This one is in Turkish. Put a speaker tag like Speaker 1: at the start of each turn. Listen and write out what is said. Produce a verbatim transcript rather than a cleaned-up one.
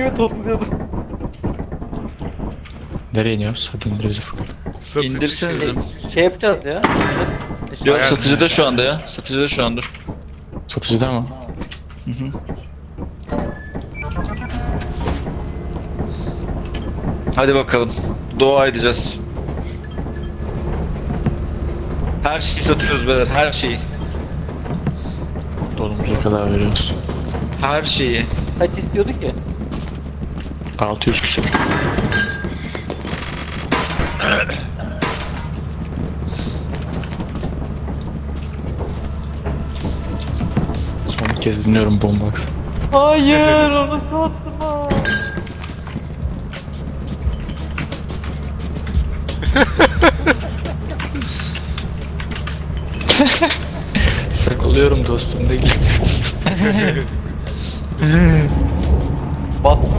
Speaker 1: diye topluyordum.
Speaker 2: Nereye iniyoruz? Hadi indir bizi Furkan.
Speaker 3: Satıcı
Speaker 4: İndirsenize.
Speaker 3: şey.
Speaker 1: Şey yapacağız ya.
Speaker 4: Yok
Speaker 3: Aynen.
Speaker 4: satıcıda şu anda ya. Satıcıda şu an dur.
Speaker 2: Satıcıda mı?
Speaker 4: Hı hı. Hadi bakalım. Dua edeceğiz. Her şeyi satıyoruz beyler, her şeyi.
Speaker 2: Dolumuza kadar veriyoruz.
Speaker 4: Her şeyi.
Speaker 1: Kaç istiyordu ki?
Speaker 2: altı yüz küsur. Son bir kez dinliyorum bomba.
Speaker 1: Hayır onu satma.
Speaker 2: Sakılıyorum dostum değil.
Speaker 1: Bastım